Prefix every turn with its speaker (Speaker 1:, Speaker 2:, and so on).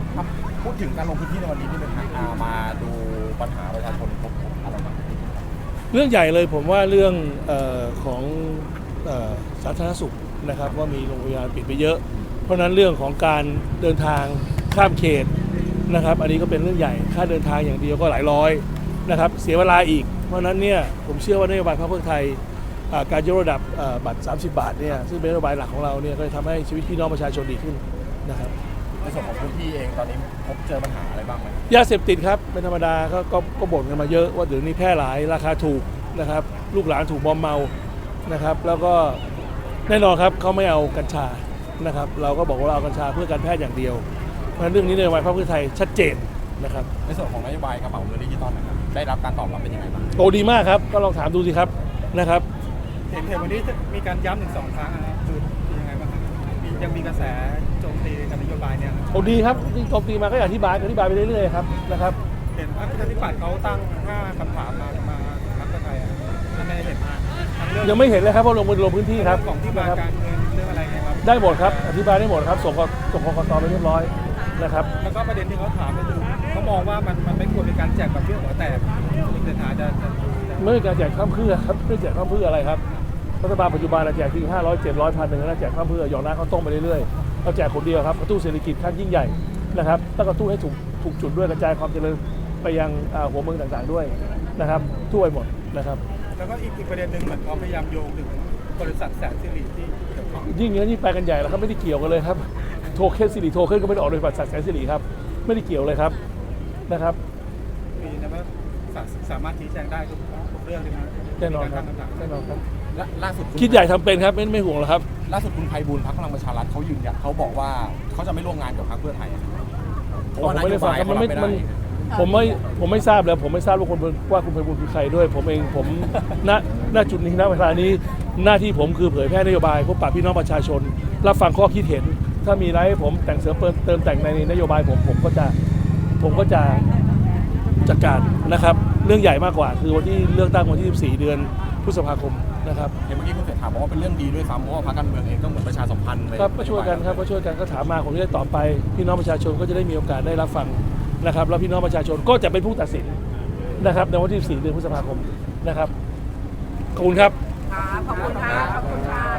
Speaker 1: ครับพูดถึงการลงพื้นที่ในวันนี้ที่เป็นทางมาดูปัญหาประชาชนพบอะไรบ้าง
Speaker 2: เรื่องใหญ่เลยผมว่าเรื่องของสาธารณสุขนะครับว่ามีโรงพยาบาลปิดไปเยอะเพราะนั้นเรื่องของการเดินทางข้ามเขตนะครับอันนี้ก็เป็นเรื่องใหญ่ค่าเดินทางอย่างเดียวก็หลายร้อยนะครับเสียเวลาอีกเพราะนั้นเนี่ยผมเชื่อว่านโยบายพรรคเพื่อไทยการยกระดับบัตร30 บาทเนี่ยซึ่งเป็นนโยบายหลักของเราเนี่ยก็จะทำให้ชีวิตพี่น้องประชาชนดีขึ้นนะครับ
Speaker 1: ในส่วนของพื้นที่เองตอนนี้พบเจอปัญหาอะไรบ้างไหม
Speaker 2: ยาเสพติดครับเป็นธรรมดาก็บ่นกันมาเยอะว่าเดี๋ยวนี้แพร่หลายราคาถูกนะครับลูกหลานถูกมอมเมานะครับแล้วก็แน่นอนครับเขาไม่เอากัญชานะครับเราก็บอกว่าเราเอากัญชาเพื่อการแพทย์อย่างเดียวเพราะฉะนั้นเรื่องนี้นโยบายพรรคเพื่อไทยชัดเจนนะครับ
Speaker 1: ในส่วนของนโยบายกระเป๋าเงินดิจิตอลนะครับได้รับการตอบรับเป็นยังไงบ้าง
Speaker 2: โตดีมากครับก็ลองถามดูสิครับนะครับ
Speaker 3: เห็นวันนี้มีการย้ำถึง2 ครั้งนะครับคือยังไงบ้างครับยังมีกระแสโจมตีกับนโยบายเนี่ย
Speaker 2: โตดีครับที่โจมตีมาก็อธิบายไปเรื่อยๆครับนะครับ
Speaker 3: เห็นว่าประชาธิปัตย์เขาตั้ง5 คำถามมาพรรคเพื่อไทยไม่เห็นมา
Speaker 2: ยังไม่เห็นเลยครับเพราะลงพื้นที่ครับ
Speaker 3: ของที่มาการเงินเรื่องอะไรไงครับ
Speaker 2: ได้หมดครับอธิบายได้หมดครับส่งกกตไปเรียบร้อยนะครับ
Speaker 3: แล้วก็ประเด็นที่เขาถามก็คือเขามองว่ามันไม่ควรเป็นการแจกแบบเพื่อหัวแตกคุณเศรษฐาจะ
Speaker 2: ไม่เป็นการแจกข้ามเพื่อครับไม่แจกข้ามเพื่ออะไรครับรัฐบาลปัจจุบันเราแจกที500 700 1,000แล้วแจกข้ามเพื่อหยอกน้ำข้าวต้มไปเรื่อยๆเราแจกคนเดียวครับกระตุ้นเศรษฐกิจขั้นยิ่งใหญ่นะครับต้องกระตุ้นให้ถูกจุดด้วยกระจายความเจริญไปยังหัวเมืองต่างๆด้วยนะครับทั่วไปหมดนะครับ
Speaker 3: แล้วก็อีกประเด็นหนึ่งเหมือนเขาพยายามโยงถึงบริษัทแสนสิริที่เกี่ยวข้อง
Speaker 2: ยิ่งอย่างนี้ไปกันใหญ่แล้วครับไม่ได้เกี่ยวกันเลยครับโทเค็นสิริโทเค็นก็ไม่ได้ออกโดยบริษัทแสนสิริครับไม่ได้เกี่ยวเลยครับนะครับ
Speaker 3: มีนะว่าสามารถชี้แจงได้ทุกเรื่องเลยนะ
Speaker 2: แน่นอนครับแน่นอนครับ
Speaker 1: ล่าสุด
Speaker 2: คิดใหญ่ทำเป็นครับไม่ห่วงหรอกครับ
Speaker 1: ล่าสุดคุณไพบูลย์พรรคพลังประชารัฐเขายืนยันเขาบอกว่าเขาจะไม่ร่วมงานกับพรรคเพื่อไทย
Speaker 2: ผมไม่ได้ฟังครับผมไม่ทราบเลยผมไม่ทราบว่าคุณไพบูลย์คือใครด้วยผมเองผมณจุดนี้ณเวลานี้หน้าที่ผมคือเผยแพร่นโยบายพบปะพี่น้องประชาชนรับฟังข้อคิดเห็นถ้ามีอะไรให้ผมแต่งเสริมเติมแต่งในนโยบายผมก็จะจัดการนะครับเรื่องใหญ่มากกว่าคือวันที่เลือกตั้งวันที่14 เดือนพฤษภาคมนะครับ
Speaker 1: เห็นเมื่อกี้คุณเศรษฐาบอกว่าเป็นเรื่องดีด้วยซ้ำเพราะว่าพรรคการเมืองเองก็เหมือนประชาสัมพันธ์เลย
Speaker 2: ครับก็ช่วยกันครับก็ช่วยกันก็ถามมาผมจะได้ตอบไปพี่น้องประชาชนก็จะได้มีโอกาสได้รับฟังนะครับแล้วพี่น้องประชาชนก็จะเป็นผู้ตัดสินนะครับในวันที่14 เดือนพฤษภาคมนะครับขอบคุณครับ
Speaker 4: ขอบคุณครับ